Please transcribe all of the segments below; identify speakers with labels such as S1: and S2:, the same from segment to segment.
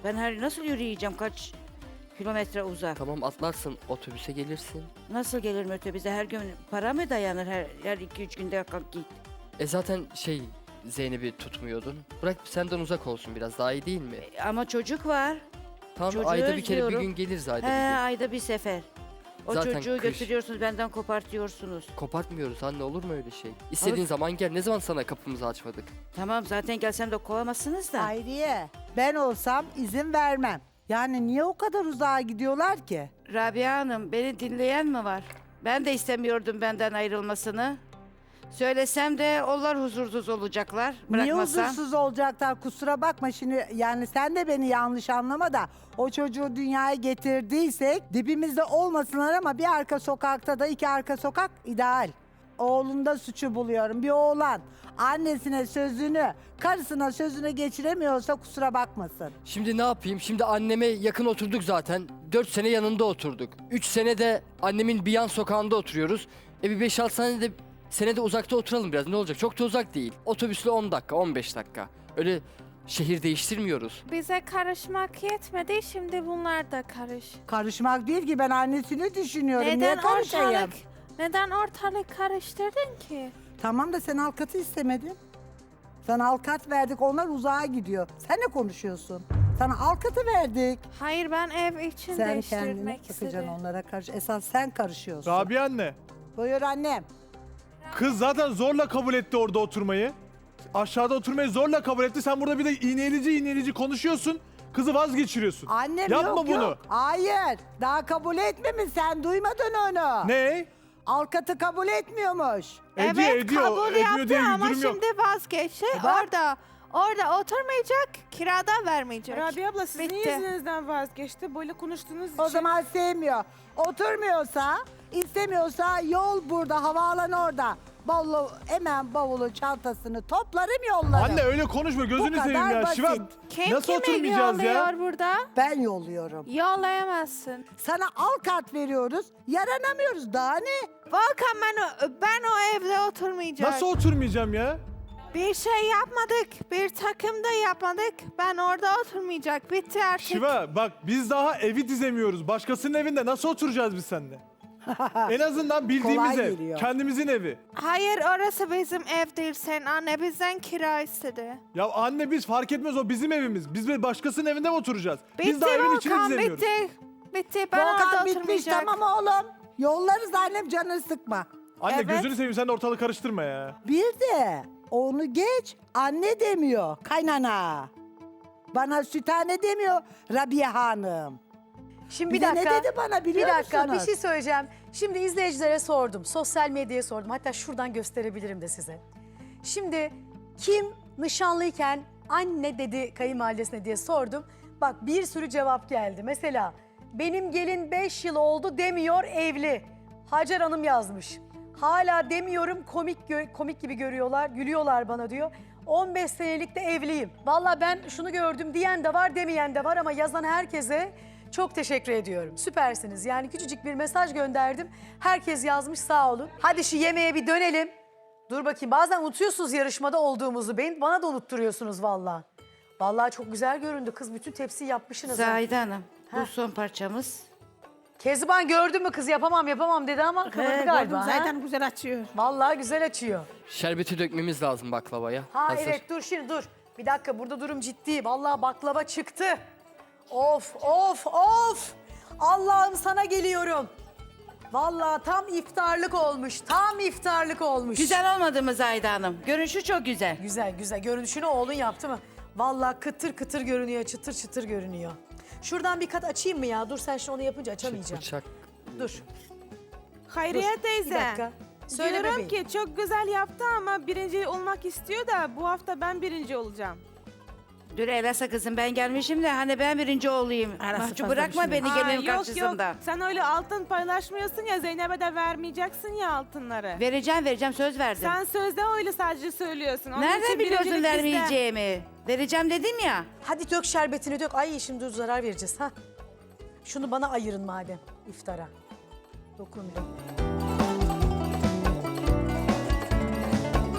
S1: Ben nasıl yürüyeceğim kaç kilometre uzak?
S2: Tamam atlarsın, otobüse gelirsin.
S1: Nasıl gelirim otobüse? Her gün para mı dayanır? Her 2-3 günde kalk git.
S2: Zaten Zeynep'i tutmuyordun. Bırak senden uzak olsun, biraz daha iyi değil mi?
S1: Ama çocuk var.
S2: Tamam,
S1: çocuğu
S2: ayda bir kere bir
S1: özlüyorum.
S2: gün geliriz, ayda
S1: He,
S2: bir gün.
S1: ayda bir sefer. O
S2: Zaten
S1: çocuğu
S2: kış.
S1: götürüyorsunuz, benden kopartıyorsunuz.
S2: Kopartmıyoruz anne, olur mu öyle şey? İstediğin
S1: Abi-
S2: zaman gel. Ne zaman sana kapımızı açmadık?
S1: Tamam, zaten gelsem de kovamazsınız da.
S3: Hayriye, ben olsam izin vermem. Yani niye o kadar uzağa gidiyorlar ki?
S1: Rabia Hanım, beni dinleyen mi var? Ben de istemiyordum benden ayrılmasını. Söylesem de onlar huzursuz olacaklar.
S3: Niye
S1: Bırakmasam.
S3: huzursuz olacaklar, kusura bakma şimdi, yani sen de beni yanlış anlama da o çocuğu dünyaya getirdiysek dibimizde olmasınlar ama bir arka sokakta da 2 arka sokak ideal. Oğlunda suçu buluyorum. Bir oğlan annesine sözünü, karısına sözünü geçiremiyorsa kusura bakmasın.
S2: Şimdi ne yapayım? Şimdi anneme yakın oturduk zaten. 4 sene yanında oturduk. 3 sene de annemin bir yan sokağında oturuyoruz. Bir 5-6 sene de uzakta oturalım biraz. Ne olacak? Çok da uzak değil. Otobüsle 10 dakika, 15 dakika. Öyle şehir değiştirmiyoruz.
S4: Bize karışmak yetmedi, şimdi bunlar da karış.
S3: Karışmak değil ki, ben annesini düşünüyorum. Niye karışayım?
S4: Neden ortalık karıştırdın ki?
S3: Tamam da sen avukatı istemedin. Sana avukat verdik, onlar uzağa gidiyor. Sen ne konuşuyorsun? Sana avukatı verdik.
S4: Hayır, ben ev için
S3: Sen kendine
S4: değiştirmek
S3: bakacaksın,
S4: istedim.
S3: onlara karış. Esas sen karışıyorsun.
S5: Rabia anne.
S3: Buyur annem.
S5: Kız zaten zorla kabul etti orada oturmayı. Aşağıda oturmayı zorla kabul etti. Sen burada bir de iğneleyici konuşuyorsun. Kızı vazgeçiriyorsun.
S3: Annem
S5: Yapma
S3: yok
S5: bunu.
S3: yok. Hayır. Daha kabul etmemiş. Sen duymadın onu.
S5: Ne?
S3: Avukatı kabul etmiyormuş.
S5: Ediyor,
S4: Evet,
S5: ediyor.
S4: kabul
S5: Ediyor
S4: yaptı
S5: diye bir
S4: ama
S5: durum yok.
S4: şimdi vazgeçti.
S3: Bak.
S4: Orada oturmayacak, kirada vermeyecek.
S6: Rabia abla sizin
S4: Bitti.
S6: yüzünüzden vazgeçti. Böyle konuştuğunuz
S3: O
S6: için.
S3: zaman sevmiyor. Oturmuyorsa, istemiyorsa yol burada, havaalanı orada. Hemen bavulu, çantasını toplarım, yollarım.
S5: Anne öyle konuşma. Gözünü
S3: kadar
S5: seveyim ya.
S3: basit.
S5: Şivan,
S4: Kim
S5: nasıl
S4: kimi
S5: oturmayacağız ya?
S4: yolluyor burada?
S3: Ben yolluyorum.
S4: Yollayamazsın.
S3: Sana avukat veriyoruz, yaranamıyoruz. Daha ne?
S4: Volkan, ben o evde oturmayacağım.
S5: Nasıl oturmayacağım ya?
S4: Bir şey yapmadık, bir takım da yapmadık. Ben orada oturmayacak, bitti artık.
S5: Şiva bak biz daha evi dizemiyoruz. Başkasının evinde nasıl oturacağız biz seninle? En azından bildiğimiz
S3: Kolay
S5: ev.
S3: geliyor.
S5: Kendimizin evi.
S4: Hayır, orası bizim ev değil. Sen anne bizden kira istedi.
S5: Ya anne biz fark etmez, o bizim evimiz. Biz bir başkasının evinde mi oturacağız?
S4: Bitti
S5: Biz daha evin içini
S4: Volkan,
S5: dizemiyoruz.
S4: bitti. Bitti, ben orada
S3: Volkan bitmiş,
S4: oturmayacak.
S3: tamam oğlum. Yollarız annem, canını sıkma.
S5: Anne
S4: Evet.
S5: gözünü seveyim, sen de ortalığı karıştırma ya.
S3: Bir de onu geç, anne demiyor, kaynana. Bana sütane demiyor Rabia Hanım.
S7: Şimdi
S3: Bir
S7: bir
S3: de
S7: dakika.
S3: ne dedi bana biliyor
S7: Bir dakika,
S3: musunuz?
S7: bir şey söyleyeceğim. Şimdi izleyicilere sordum. Sosyal medyaya sordum. Hatta şuradan gösterebilirim de size. Şimdi kim nişanlıyken anne dedi kayınvalidesine diye sordum. Bak bir sürü cevap geldi. Mesela benim gelin 5 yıl oldu demiyor, evli. Hacer Hanım yazmış. Hala demiyorum, komik gibi görüyorlar, gülüyorlar bana diyor. 15 senelik de evliyim. Vallahi ben şunu gördüm diyen de var, demeyen de var ama yazan herkese çok teşekkür ediyorum. Süpersiniz. Yani küçücük bir mesaj gönderdim. Herkes yazmış, sağ olun. Hadi şu yemeğe bir dönelim. Dur bakayım, bazen unutuyorsunuz yarışmada olduğumuzu. Bana da unutturuyorsunuz vallahi. Vallahi çok güzel göründü kız. Bütün tepsiyi yapmışsınız. ha.
S1: Zahide Hanım, bu
S7: Heh.
S1: son parçamız.
S7: Kezban gördün mü kız, yapamam dedi ama kıvırdı galiba. ha?
S6: Zaten güzel açıyor.
S7: Vallahi güzel açıyor.
S2: Şerbeti dökmemiz lazım baklavaya.
S7: Ha
S2: Hazır.
S7: evet, dur şimdi dur. Bir dakika, burada durum ciddi. Vallahi baklava çıktı. Of. Allah'ım sana geliyorum. Vallahi tam iftarlık olmuş. Tam iftarlık olmuş.
S1: Güzel olmadı mı Zahide Hanım? Görünüşü çok güzel.
S7: Güzel. Görünüşünü oğlun yaptı mı? Vallahi kıtır kıtır görünüyor, çıtır çıtır görünüyor. Şuradan bir kat açayım mı ya? Dur sen şimdi onu yapınca açamayacağım.
S2: Bıçak.
S7: Dur.
S6: Hayriye
S7: Bir
S6: teyze.
S7: dakika. Söyle
S6: Diyorum
S7: bebeğim.
S6: ki çok güzel yaptı ama birinci olmak istiyor da bu hafta ben birinci olacağım.
S1: Dur Elasa kızım, ben gelmişim de hani ben birinci olayım. Mahcup bırakma beni
S6: Aa,
S1: gelin
S6: yok
S1: karşısında.
S6: sen öyle altın paylaşmıyorsun ya, Zeynep'e de vermeyeceksin ya altınları.
S1: Vereceğim, söz verdim.
S6: Sen sözde öyle sadece söylüyorsun. Onun
S1: Nereden
S6: için
S1: biliyorsun
S6: birincilik bizde.
S1: vermeyeceğimi? Vereceğim dedim ya.
S7: Hadi dök şerbetini dök. Ay şimdi zarar vereceğiz ha. Şunu bana ayırın madem iftara. Dokundum.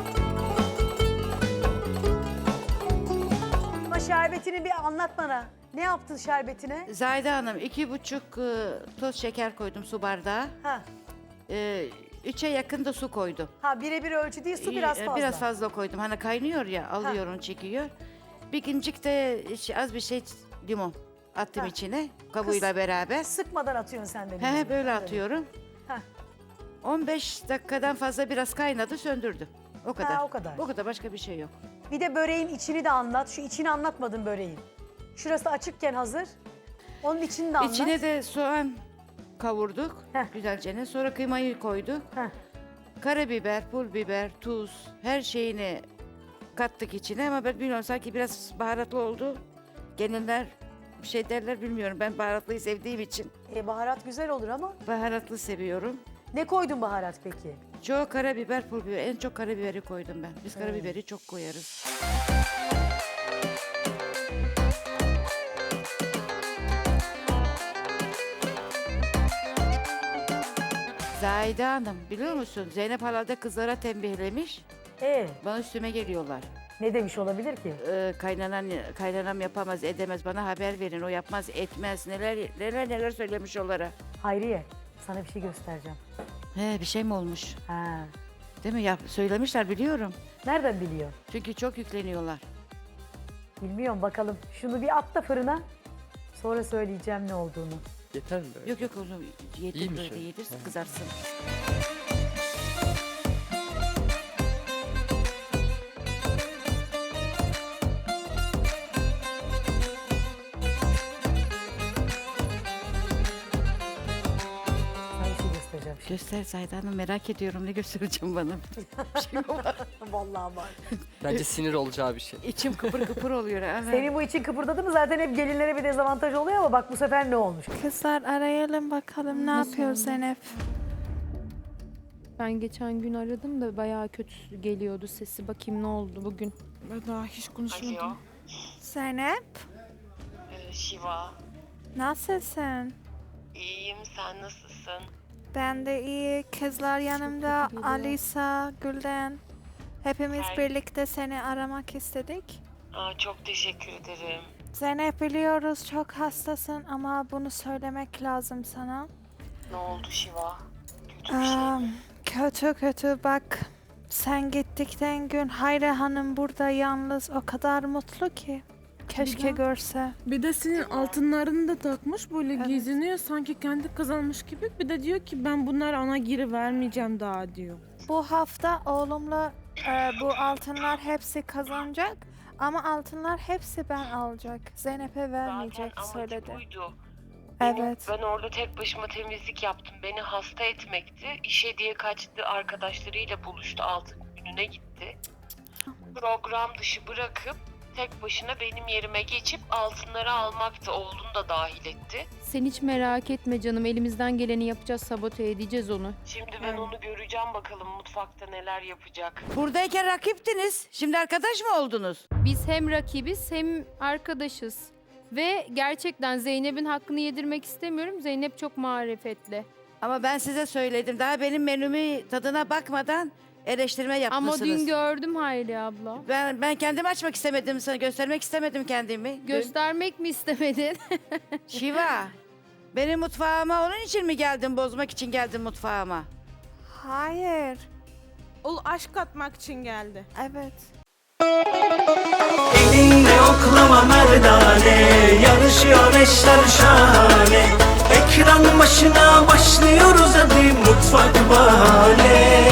S7: Ama şerbetini bir anlat bana. Ne yaptın şerbetine?
S1: Zahide Hanım 2,5 toz şeker koydum su bardağı.
S7: Ha.
S1: 3'e yakın da su koydum.
S7: Ha birebir ölçü değil, su biraz fazla.
S1: Biraz fazla koydum. Hani kaynıyor ya, alıyor onu, çekiyor. Bir incik de az bir şey limon attım
S7: Ha.
S1: içine kabuğuyla beraber.
S7: Sıkmadan atıyorsun sen de.
S1: He, böyle atıyorum.
S7: Heh.
S1: 15 dakikadan fazla biraz kaynadı, söndürdüm. O kadar.
S7: o kadar.
S1: O kadar, başka bir şey yok.
S7: Bir de böreğin içini de anlat. Şu içini anlatmadın böreğin. Şurası açıkken hazır. Onun içini de anlat.
S1: İçine de soğan kavurduk
S7: Heh.
S1: güzelce. Sonra kıymayı koyduk.
S7: Heh.
S1: Karabiber, pul biber, tuz, her şeyini kattık içine ama ben bilmiyorum, sanki biraz baharatlı oldu. Gelinler bir şey derler, bilmiyorum. Ben baharatlıyı sevdiğim için
S7: Baharat güzel olur ama.
S1: baharatlı seviyorum.
S7: Ne koydun baharat peki?
S1: Çok karabiber, pul biber. En çok karabiberi koydum ben. Biz karabiberi çok koyarız. Zahide Hanım, biliyor musun? Zeynep hala da kızlara tembihlemiş. Bana üstüme geliyorlar.
S7: Ne demiş olabilir ki?
S1: Kaynanam yapamaz, edemez. Bana haber verin. O yapmaz, etmez. Neler söylemiş onlara.
S7: Hayriye, sana bir şey göstereceğim.
S1: He, bir şey mi olmuş?
S7: Ha.
S1: Değil mi? Söylemişler, biliyorum.
S7: Nereden biliyor?
S1: Çünkü çok yükleniyorlar.
S7: Bilmiyorum, bakalım. Şunu bir at da fırına. Sonra söyleyeceğim ne olduğunu.
S2: Yeter mi böyle?
S1: Yok onu
S2: İyi
S1: yedir,
S2: mi
S1: böyle
S2: şöyle?
S1: yedir, kızarsın.
S7: Sana bir şey göstereceğim.
S1: Göster Zahide Hanım, merak ediyorum, ne göstereceğim bana. Bir şey mi var?
S7: Vallahi var.
S2: Bence sinir olacağı bir şey.
S1: İçim kıpır kıpır oluyor. Ana.
S7: Senin bu için kıpırdadı mı zaten hep gelinlere bir dezavantaj oluyor ama bak bu sefer ne olmuş?
S4: Kızlar arayalım bakalım ne yapıyor Zeynep.
S6: Ben geçen gün aradım da bayağı kötü geliyordu sesi. Bakayım ne oldu bugün. Ben daha hiç konuşmadım.
S8: Alo,
S4: Zeynep
S8: Şiva.
S4: nasılsın?
S8: İyiyim, sen nasılsın?
S4: Ben de iyi. Kızlar yanımda.
S6: teşekkür ederim.
S4: Alisa, Gülden. Hepimiz
S8: Her-
S4: birlikte seni aramak istedik.
S8: Çok teşekkür ederim.
S4: Zeynep biliyoruz çok hastasın ama bunu söylemek lazım sana.
S8: Ne oldu Şiva? Kötü bir şey mi?
S4: Kötü bak. Sen gittikten gün Hayri Hanım burada yalnız o kadar mutlu ki. Keşke görse.
S6: Bir de senin altınlarını da takmış böyle geziniyor sanki kendi kazanmış gibi. Bir de diyor ki ben bunlar ana geri vermeyeceğim daha diyor.
S4: Bu hafta oğlumla bu altınlar hepsi kazanacak. Ama altınlar hepsi ben alacak. Zeynep'e vermeyecek
S8: Zaten amacı
S4: söyledi.
S8: buydu.
S4: Evet.
S8: Ben orada tek başıma temizlik yaptım. Beni hasta etmekti. İşe diye kaçtı, arkadaşlarıyla buluştu, altın gününe gitti. Program dışı bırakıp tek başına benim yerime geçip altınları almaktı. Oğlunu da dahil etti.
S9: Sen hiç merak etme canım. Elimizden geleni yapacağız. Sabote edeceğiz onu.
S8: Şimdi ben onu göreceğim, bakalım mutfakta neler yapacak.
S1: Buradayken rakiptiniz. Şimdi arkadaş mı oldunuz?
S9: Biz hem rakibiz hem arkadaşız. Ve gerçekten Zeynep'in hakkını yedirmek istemiyorum. Zeynep çok marifetli.
S1: Ama ben size söyledim. Daha benim menümü tadına bakmadan eleştirme yapmışsınız.
S9: Ama dün gördüm Hayri abla.
S1: Ben kendimi açmak istemedim, sana göstermek istemedim kendimi.
S9: Göstermek mi istemedin?
S1: Şiva, benim mutfağıma onun için mi geldin, bozmak için geldin mutfağıma?
S4: Hayır.
S6: O aşk atmak için geldi.
S4: Evet.
S10: Elinde oklama merdane, yarışıyor eşler şahane. Ekran başına başlıyoruz hadi, mutfak bahane.